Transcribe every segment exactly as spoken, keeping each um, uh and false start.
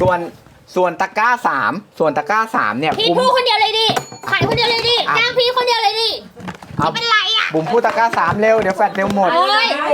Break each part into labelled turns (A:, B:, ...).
A: ส่วนส่วนตะกร้าสามส่วนตะกร้าสามเนี่ย
B: พี่พูดคนเดียวเลยดิขายคนเดียวเลยดิจ้างพี่คนเดียวเลยดิไม่เป็นไรอ่ะ
A: บุ๋มพูดตะกร้าสามเร็วเดี๋ยวแฟดเร็วหมด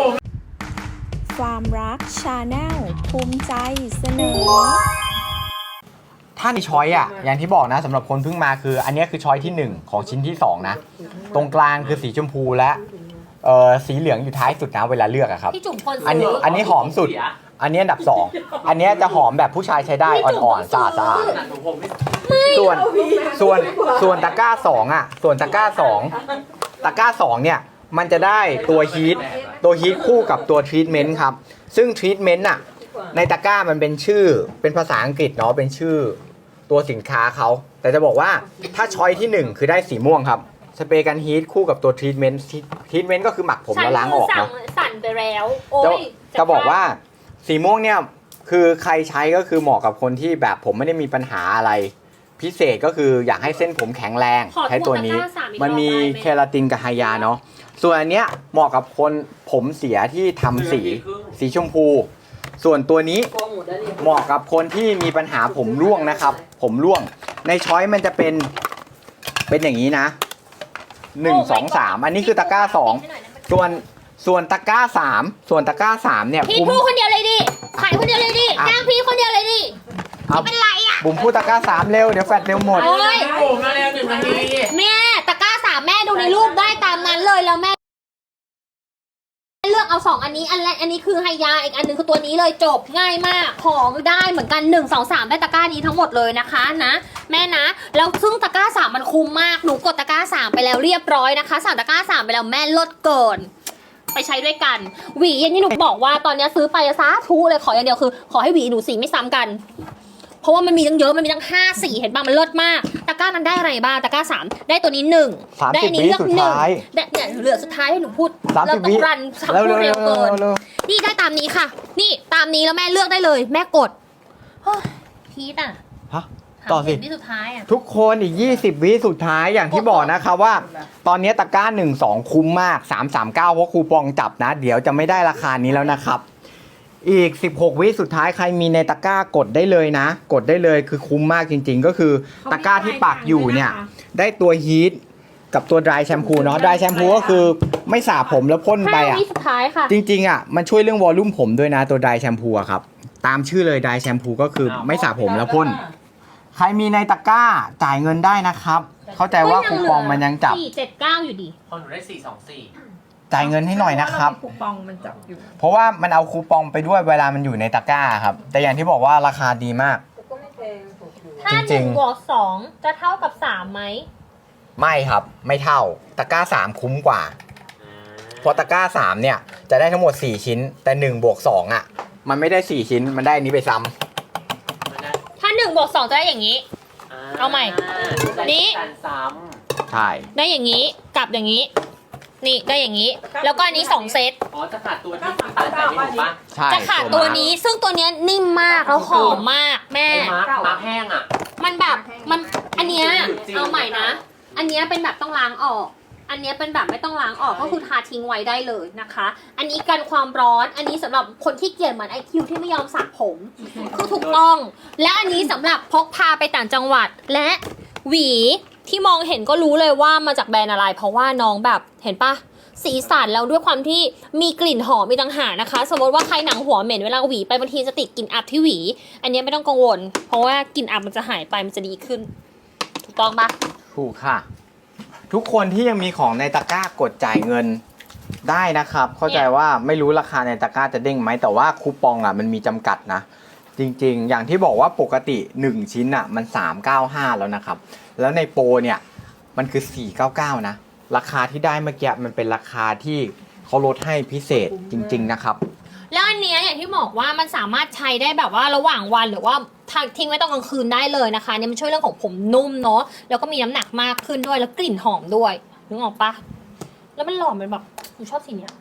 C: ความรักชาแนลภูมิใจเสนอ
A: ถ้าในช้อยอ่ะอย่างที่บอกนะสำหรับคนเพิ่งมาคืออันนี้คือช้อยที่หนึ่งของชิ้นที่สองนะตรงกลางคือสีชมพูและเอ่อสีเหลืองอยู่ท้ายสุดนะเวลาเลือกอะครับ
B: พี่จุ๋มคน
A: อันนี้อันนี้หอมสุดอันนี้อันดับสองอันนี้จะหอมแบบผู้ชายใช้ได้อ่อนๆสะอาดสะอาดส่วนส่วนส่วนตะกร้าสองอ่ะส่วนตะกร้าสองตะกร้าสองเนี่ยมันจะได้ตัวฮีทตัวฮีทคู่กับตัวทรีทเมนต์ครับซึ่งทรีทเมนต์อ่ะในตะกร้ามันเป็นชื่อเป็นภาษาอังกฤษเนาะเป็นชื่อตัวสินค้าเขาแต่จะบอกว่าถ้าช้อยที่หนึ่งคือได้สีม่วงครับสเปรย์กันฮีทคู่กับตัวทรีทเมนต์ทรีทเมนต์ก็คือหมักผมแล้วล้างออกเนาะ
B: สั่นไปแล้วโอ้ย
A: จะบอกว่าสีม่วงเนี่ยคือใครใช้ก็คือเหมาะกับคนที่แบบผมไม่ได้มีปัญหาอะไรพิเศษก็คืออยากให้เส้นผมแข็งแรงใช้ตัวนี้มันมีเคราตินกับไฮยาเนาะส่วนอันเนี้ยเหมาะกับคนผมเสียที่ทำสีสีชมพูส่วนตัวนี้เหมาะกับคนที่มีปัญหาผมร่วงนะครับผมร่วงในช้อยมันจะเป็นเป็นอย่างนี้นะหนึ่งสองสามอันนี้คือตะกร้าสองส่วนส่วนตะกร้าสามส่วนตะกร้าสามเนี่ย
B: พี่พูดคนเดียวเลยดิขายคนเดียวเลยดิจ้างพี่คนเดียวเลยดิไม่เป็นไรอ่ะ
A: บุ๋มพูดตะกร้าสามเร็วเดี๋ยวแฟดเร็วหมด
B: โอ้ย
D: บุ๋มมาเร็วหนึ่งนาที
B: แม่ตะกร้าสามแม่ดูในรูปได้ตามนั้นเลยแล้วแม่เลือกเอาสองอันนี้อันแรกอันนี้คือไฮยาอีกอันนึงคือตัวนี้เลยจบง่ายมากของได้เหมือนกันหนึ่งสองสามได้ตะกร้านี้ทั้งหมดเลยนะคะนะแม่นะแล้วซึ่งตะกร้าสามมันคุ้มมากหนูกดตะกร้าสามไปแล้วเรียบร้อยนะคะสั่งตะกร้าสามไปแล้วแม่ลดเกินไปใช้ด้วยกันหวีอย่างที่หนูบอกว่าตอนนี้ซื้อไปซะทุเลยขออย่างเดียวคือขอให้หวีหนูสีไม่ซ้ำกันเพราะว่ามันมีตั้งเยอะมันมีตั้งห้าสีเห็นป่ะมันเลิศมากตะกร้านั้นได้อะไรบ้างตะกร้าสามได้ตัวนี้หนึ่งได้อันนี้เลือกหนึ่งเนี่ยเหลือสุดท้ายให้หนูพูดเราต้องรันสับพูดเร็วเกินนี่ได้ตามนี้ค่ะนี่ตามนี้แล้วแม่เลือกได้เลยแม่กดพีทอ่ะ
A: ต่อสิ
B: ที่สุดท้ายอ่ะ
A: ทุกคนอีกยี่สิบวิสุดท้ายอย่างที่บอกนะคะว่าตอนนี้ตะกร้าหนึ่ง สองคุ้มมากสาม สาม เก้าเพราะคูปองจับนะเดี๋ยวจะไม่ได้ราคานี้แล้วนะครับอีกสิบหกวิสุดท้ายใครมีในตะกร้ากดได้เลยนะกดได้เลยคือคุ้มมากจริงๆก็คือตะกร้าที่ปักอยู่เนี่ยได้ตัวฮีทกับตัวดรายแชมพูเนาะดรายแชมพูก็คือไม่สระผมแล้วพ่นไปอ่ะจริงๆอ่ะมันช่วยเรื่องวอลลุ่มผมด้วยนะตัวดรายแชมพูอะครับตามชื่อเลยดรายแชมพูก็คือไม่สระผมแล้วพ่นใครมีในตะกร้าจ่ายเงินได้นะครับเข้าใจว่าคูปองมันยังจับ
B: สี่เจ็ดเก้าอยู่ดี
D: พอหนูได้สี่สองสี่
A: จ่ายเงินให้หน่อยนะครับ
C: คูปองมันจับอยู่
A: เพราะว่ามันเอาคูปองไปด้วยเวลามันอยู่ในตะกร้าครับแต่อย่างที่บอกว่าราคาดีมาก
B: ถ้าหนึ่งบวกสองจะเท่ากับสามไหม
A: ไม่ครับไม่เท่าตะกร้าสามคุ้มกว่าเพราะตะกร้าสามเนี่ยจะได้ทั้งหมดสี่ชิ้นแต่หนึ่งบวกสองอ่ะมันไม่ได้สี่ชิ้นมันได้อันนี้ไปซ้
B: ำถ้าหนึ่งบวกสองจะได้อย่างนี้เอาใหม่นี้
A: ใช่
B: ได้อย่างนี้กับอย่างนี้นี่ได้อย่างนี้แล้วก็อันนี้สองเซต
D: อ๋อจะขาดตัวที่ตัดใจไม่ถูกปะ
A: ใช่
B: จะขาดตัวนี้ซึ่งตัวนี้นิ่มมากแล้วหอมมากแม่
D: มาร์คมาร์คแห้งอ่ะ
B: มันแบบมันอันเนี้ยเอาใหม่นะอันเนี้ยเป็นแบบต้องล้างออกอันนี้เป็นแบบไม่ต้องล้างออกก็คือทาทิ้งไว้ได้เลยนะคะอันนี้กันความร้อนอันนี้สำหรับคนที่เกลียดเหมือนไอคิวที่ไม่ยอมสระผมคือถูกต้องและอันนี้สำหรับพกพาไปต่างจังหวัดและหวีที่มองเห็นก็รู้เลยว่ามาจากแบรนด์อะไรเพราะว่าน้องแบบเห็นปะสีสันแล้วด้วยความที่มีกลิ่นหอมมีต่างหากนะคะสมมติว่าใครหนังหัวเหม็นเวลาหวีไปบางทีจะติดกลิ่นอับที่หวีอันนี้ไม่ต้องกังวลเพราะว่ากลิ่นอับมันจะหายไปมันจะดีขึ้นถูกต้องปะ
A: ถูกค่ะทุกคนที่ยังมีของในตะกร้ากดจ่ายเงินได้นะครับเข้าใจว่าไม่รู้ราคาในตะกร้าจะเด้งไหมแต่ว่าคูปองอ่ะมันมีจำกัดนะจริงๆอย่างที่บอกว่าปกติหนึ่งชิ้นอ่ะมันสามร้อยเก้าสิบห้าแล้วนะครับแล้วในโปรเนี่ยมันคือสี่ร้อยเก้าสิบเก้านะราคาที่ได้เมื่อกี้มันเป็นราคาที่เขาลดให้พิเศษจริงๆนะครับ
B: แล้วอันนี้อย่างที่บอกว่ามันสามารถใช้ได้แบบว่าระหว่างวันหรือว่าทิ้งไว้ตอนกลางคืนได้เลยนะคะเนี่ยมันช่วยเรื่องของผมนุ่มเนาะแล้วก็มีน้ำหนักมากขึ้นด้วยแล้วกลิ่นหอมด้วยนึกออกปะแล้วมันหล่อเป็นแบบหนูชอบสีเนี้ย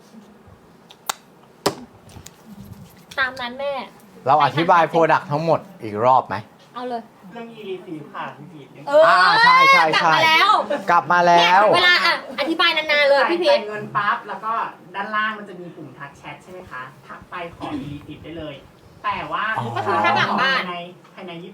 B: ตามนั้นแม่
A: เราอธิบายโปรดักต์ทั้งหมดอีกรอบไหม
B: เอาเลย
D: เรื่องอีรีซีผ่านพี่พีท
B: เออ
A: ใช่ใช่ใช่กลับมาแล้ว
B: เวลาอ่ะอธิบายนานๆเลยพี่พีท
D: เงินปั๊บแล้วก็ด้านล่างมันจะมีปุ่มทักแชทใช่ไหมคะทักไปขออีรีซีได้เลยแต่ว่า
B: ก็คือทักหลังบ้าน
D: ใน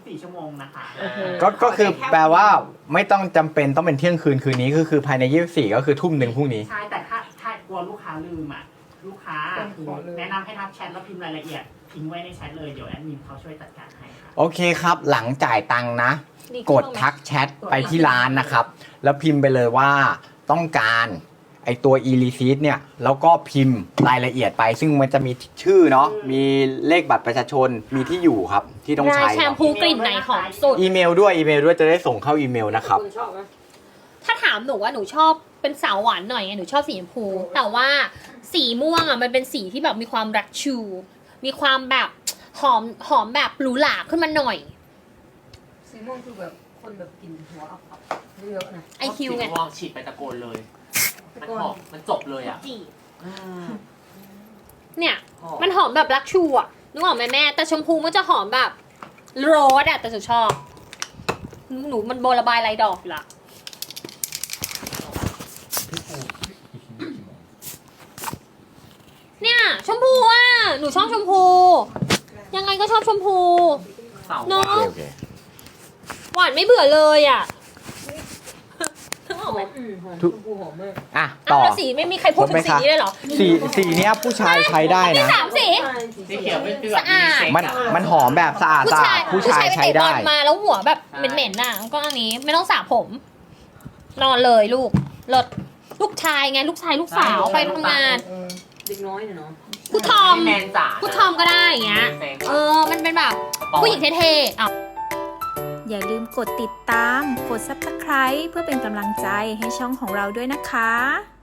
D: สี่ชั่วโมงนะคะ
A: ก็ก็คือแปลว่าไม่ต้องจำเป็นต้องเป็นเที่ยงคืนคืนนี้ก็คือภายในยี่สิบสี่ก็คือทุ่มหนึ่งพรุ่งนี้
D: ใช่แต่ถ้าถ้ากลัวลูกค้าลืมอ่ะลูกค้าคือแนะนำให้ทักแชทแล้วพิมพ์รายละเอียดทิ้งไว้ในแชทเลยเดี๋ยวแอดมินเขาช่วยจัดการให้ค่ะ
A: โอเคครับ หลังจ่ายตังค์นะ กดทักแชทไปที่ร้านนะครับ แล้วพิมพ์ไปเลยว่าต้องการไอตัว e receipt เนี่ยแล้วก็พิมพ์รายละเอียดไป ซึ่งมันจะมีชื่อเนาะมีเลขบัตรประชาชนมีที่อยู่ครับ ที่ต้อง
B: นาย
A: ใช้
B: แชมพูกลิ่นไหนหอมสุด
A: อีเมลด้วยอีเมลด้วยจะได้ส่งเข้าอีเมลนะครับ
B: ถ้าถามหนูว่าหนูชอบเป็นสาวหวานหน่อยไงหนูชอบสีชมพู แต่ว่าสีม่วงอ่ะมันเป็นสีที่แบบมีความรักชู มีความแบบหอมหอมแบบหรูหราขึ้นมาหน่อย
E: สีม่วงคือแบบคนแบบกินหัวอับๆเยอะๆนะ
B: ไอคิวไง
D: ลองฉีดไปตะโกนเลย มันหอมมันจบเลยอ่ะ
B: จีเนี่ย มันหอมแบบรักชูอ่ะนึกออกไหมแม่ แต่ชมพูมันจะหอมแบบโรสอ่ะแต่หนูชอบ หนูมันโบระบายลายดอกอยู่ละเนี่ยชมพูอ่ะหนูชอบชมพู ยังไงก็ชอบชมพู
D: เสา
B: เนาะ
A: โอเค
B: หวานไม่เบื่อเลยอ่ะนึกออกไหม
E: อืมหอมช
A: ทุก
E: มพูหอมมาก
A: อ่ะ
B: อ้า
A: ต่
B: ว
A: อ
B: แล้วสีไม่มีใครพูดถึงสีนี้เลยเหรอ
A: สีสีเนี้ยผู้ชายใช้ได้
B: มี
A: นะ
B: สามสี
D: สีเขียวเป็นคือแบบ
B: สะอาด
D: เซ็ก
A: มันมันหอมแบบสะอาด
B: ผู้
A: สะ
B: ชา
A: อาย ดผู้ชาย
B: ไป
A: ใช้
B: เตะบอ
A: ได้
B: ลมาแล้วหัวแบบเหม็นๆน่ะก็อันนี้ไม่ต้องสระผม นอนเลยลูกเลิศลูกชายไงลูกชายลูกสาวไปทำงาน
E: เออเด็กน้อยเนี่ยเนาะ
B: ผู้ทอม
D: แมนจ๋า
B: ผู้ทอมก็ได้อย่างเงี้ย เออ มันเป็นแบบผู้หญิงเท่ๆอ่ะ
C: อย่าลืมกดติดตาม กด ซับสไครบ์ เพื่อเป็นกำลังใจให้ช่องของเราด้วยนะคะ